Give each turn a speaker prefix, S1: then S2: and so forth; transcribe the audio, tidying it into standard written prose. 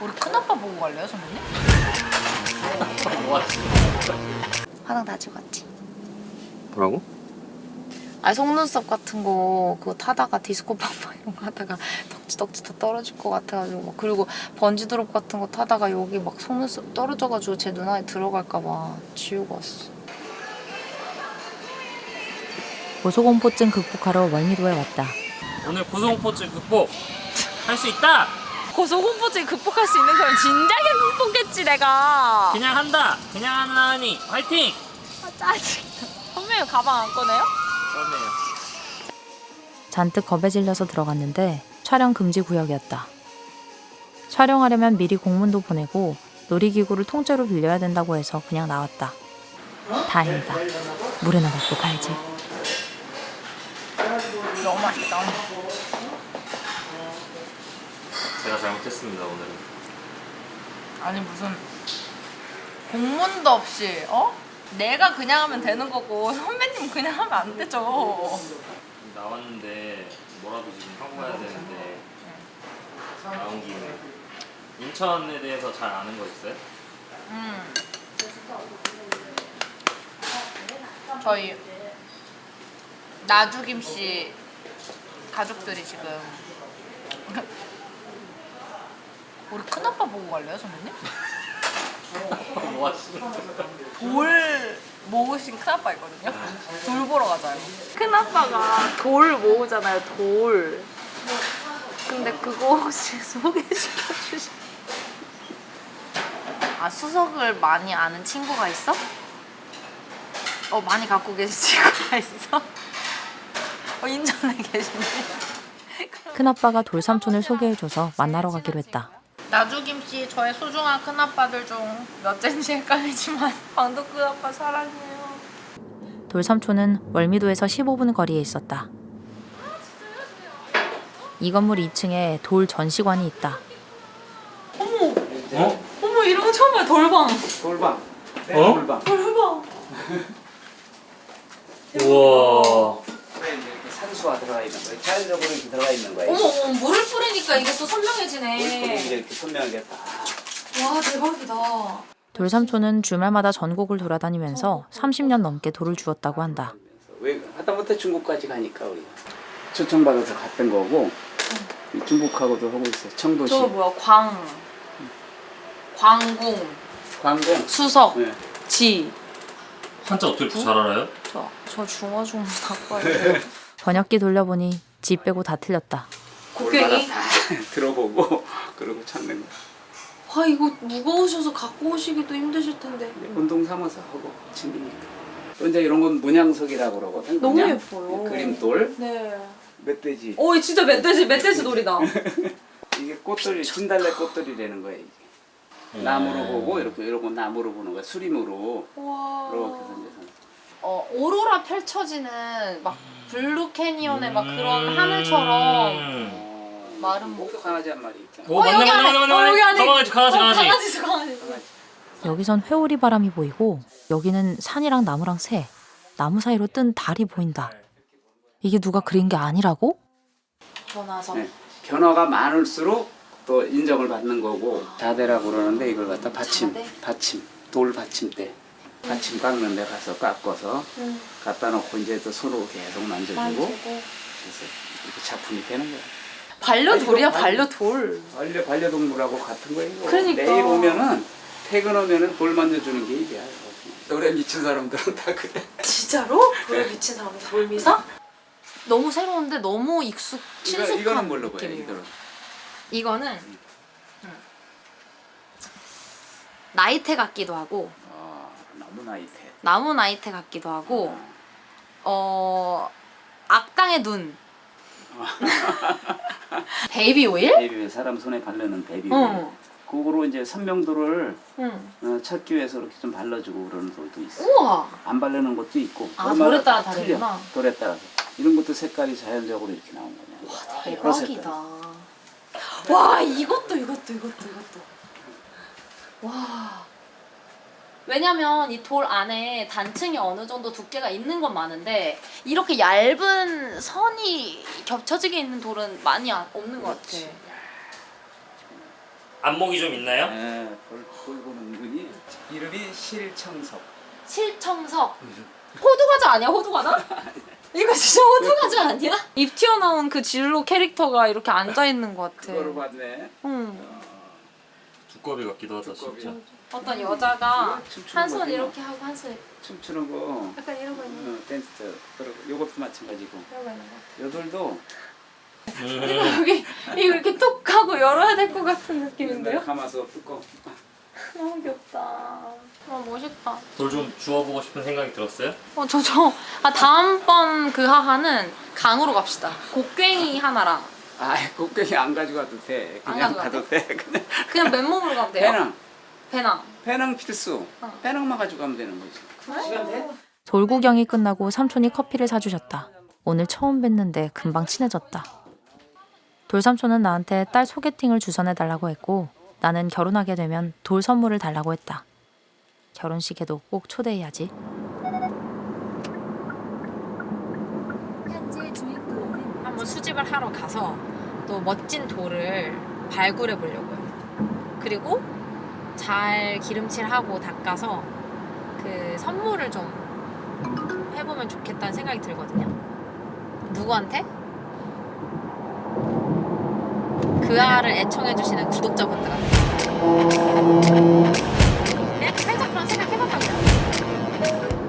S1: 우리 큰아빠 보고 갈래요, 선배님? 화장 다 찍었지?
S2: 뭐라고?
S1: 아, 속눈썹 같은 거 그거 타다가 디스코 팡팡 이런 거 하다가 덕지덕지 다 떨어질 것 같아가지고 막. 그리고 번지 드롭 같은 거 타다가 여기 막 속눈썹 떨어져가지고 제 눈 안에 들어갈까 봐 지우고 왔어.
S3: 고소공포증 극복하러 월미도에 왔다.
S2: 오늘 고소공포증 극복 할 수 있다.
S1: 고소공포증 극복할 수 있는 걸 진작에 극복했지 내가.
S2: 그냥 한다. 그냥 하는 하니 화이팅.
S1: 아, 짜증나. 선배님 가방 안 꺼내요?
S2: 그렇네요.
S3: 잔뜩 겁에 질려서 들어갔는데 촬영 금지 구역이었다. 촬영하려면 미리 공문도 보내고 놀이기구를 통째로 빌려야 된다고 해서 그냥 나왔다. 다행이다. 물에나 먹고 가야지.
S1: 너무 맛있다.
S2: 제가 잘못했습니다 오늘은.
S1: 아니 무슨 공문도 없이 내가 그냥 하면 되는 거고 선배님 그냥 하면 안 되죠.
S2: 나왔는데 뭐라도 지금 하고 가야 되는데 나온 김에 인천에 대해서 잘 아는 거 있어요?
S1: 저희 나주김 씨 가족들이 지금 우리 큰아빠 보고 갈래요, 선배님?
S2: 뭐 하시는
S1: 돌 모으신 큰아빠 있거든요? 돌 보러 가자요. 큰아빠가 돌 모으잖아요, 돌. 근데 그거 혹시 소개시켜 주시... 아, 수석을 많이 아는 친구가 있어? 많이 갖고 계신 친구가 있어? 인천에 계시네.
S3: 큰아빠가 돌삼촌을 소개해줘서 만나러 가기로 했다.
S1: 나주김씨 저의 소중한 큰아빠들 중 몇째인지 헷갈리지만 방도 큰아빠 사랑해요.
S3: 돌삼촌은 월미도에서 15분 거리에 있었다. 이 건물 2층에 돌 전시관이 있다.
S1: 어머!
S2: 어?
S1: 어머, 이런 거 처음 봐요. 돌방.
S4: 돌방. 네,
S2: 어?
S4: 돌방.
S1: 돌방.
S2: 우와.
S4: 그래 이제 이렇게 산수화 들어가 있는 거예요. 자연적으로 이렇게 들어가 있는 거예요.
S1: 어머, 물을 뿌리니까 이게 또
S4: 물고기
S1: 선명해지네.
S4: 이렇게 선명하게 딱.
S1: 와, 대박이다.
S3: 돌삼촌은 주말마다 전국을 돌아다니면서 30년 넘게 돌을 주웠다고 한다.
S4: 왜 하다못해 중국까지 가니까 우리 초청받아서 갔던 거고 중국하고도 하고 있어요. 청도시.
S1: 저거 뭐야? 광궁,
S4: 광공.
S1: 수석,
S4: 네.
S1: 지.
S2: 한자 어떻게 이렇게 잘 알아요?
S1: 저 중어 좀 바꿔요.
S3: 번역기 돌려보니 지 빼고 다 틀렸다.
S1: 곡괭이?
S4: 들어보고 그러고 찾는 거.
S1: 아, 이거 무거우셔서 갖고 오시기도 힘드실 텐데.
S4: 운동 삼아서 하고 챙기니까. 또 이제 이런 건 문양석이라고 그러거든.
S1: 너무
S4: 문양.
S1: 예뻐요.
S4: 그림돌.
S1: 네.
S4: 멧돼지.
S1: 오, 진짜 멧돼지 놀이다.
S4: 이게 꽃돌이 진달래 꽃돌이라는 거예요. 이게. 나무로 보고 이러고 나무로 보는 거야. 수림으로
S1: 와.
S4: 이렇게 해서
S1: 오로라 펼쳐지는 막 블루 캐니언의 막 그런 하늘처럼 마른
S4: 목도 강아지 한 마리 있잖아.
S2: 오 맞네
S1: 여기 안에!
S2: 맞네 맞네
S1: 여기 안에!
S2: 강아지
S1: 강아지.
S3: 여기선 회오리 바람이 보이고 여기는 산이랑 나무랑 새, 나무 사이로 뜬 달이 보인다. 이게 누가 그린 게 아니라고?
S1: 전화서.
S4: 네. 변화가 많을수록 또 인정을 받는 거고 자대라고 그러는데 이걸 갖다 받침 돌 받침대 받침 깎는 데 가서 깎아서 갖다 놓고 이제 또 손으로 계속 만져주고 그래서 이렇게 작품이 되는 거야.
S1: 반려돌이야, 반려돌.
S4: 반려동물하고 같은 거예요. 이거.
S1: 그러니까.
S4: 내일 오면은 퇴근 오면은 돌 만져주는 게 일이야. 노래 미친 사람들은 다 그래.
S1: 진짜로? 돌에 미친 사람이 돌미사? 너무 새로운데 너무 친숙한
S4: 이거는 뭘로 봐요?
S1: 느낌이에요. 이거는 나이테 같기도 하고
S4: 나무 나이테.
S1: 나무 나이테 같기도 하고 악당의 눈. 베이비 오일?
S4: 베이비 사람 손에 바르는 베이비 오일. 그거로 이제 선명도를 찾기 위해서 이렇게 좀 발라주고 그러는 돌도 있어.
S1: 우와.
S4: 안 바르는 것도 있고.
S1: 아,
S4: 얼마나
S1: 돌에 따라
S4: 틀려.
S1: 다르구나.
S4: 돌에 따라서. 이런 것도 색깔이 자연적으로 이렇게 나온 거냐. 와,
S1: 대박이다. 와, 이것도. 와. 왜냐면 이 돌 안에 단층이 어느 정도 두께가 있는 건 많은데 이렇게 얇은 선이 겹쳐지게 있는 돌은 많이 없는 것 같아.
S2: 안목이 좀 있나요?
S4: 예, 돌 보는 분이 이름이 실청석.
S1: 실청석. 호두과자 아니야? 호두과자? 이거 진짜 호두과자 아니야? 입 튀어나온 그 진로 캐릭터가 이렇게 앉아있는 것 같아.
S4: 그거를 봤네.
S1: 응.
S2: 두꺼비 같기도 하다
S4: 두꺼비.
S2: 진짜.
S1: 어떤 여자가
S4: 춤추는
S1: 한 손
S4: 거지,
S1: 이렇게 하고 한 손
S4: 춤추는 거.
S1: 약간 이러고 있는
S4: 댄스. 그리고 요것도 마찬가지고.
S1: 이러고 있는 것
S4: 여덟도
S1: 같아. 여기 이거 이렇게 톡 하고 열어야 될 것 같은 느낌인데요?
S4: 감아서 뜯고.
S1: 너무 귀엽다. 멋있다.
S2: 돌 좀 주워보고 싶은 생각이 들었어요?
S1: 다음번 그 하하는 강으로 갑시다. 곡괭이 하나랑
S4: 곡괭이 안 가져가도 돼.
S1: 안
S4: 그냥
S1: 가져가도
S4: 가도 돼.
S1: 그냥 맨몸으로 가면 돼요? 배낭.
S4: 배낭 필수.
S1: 어.
S4: 배낭만 가지고 가면 되는 거지. 시간 돼?
S3: 돌 구경이 끝나고 삼촌이 커피를 사주셨다. 오늘 처음 뵀는데 금방 친해졌다. 돌삼촌은 나한테 딸 소개팅을 주선해달라고 했고 나는 결혼하게 되면 돌 선물을 달라고 했다. 결혼식에도 꼭 초대해야지. 한번 수집을 하러 가서 또 멋진 돌을 발굴해 보려고요. 그리고 잘 기름칠하고 닦아서 그 선물을 좀 해보면 좋겠다는 생각이 들거든요. 누구한테? 그 알을 애청해주시는 구독자분들한테. 그냥 살짝 그런 생각 해봐봐.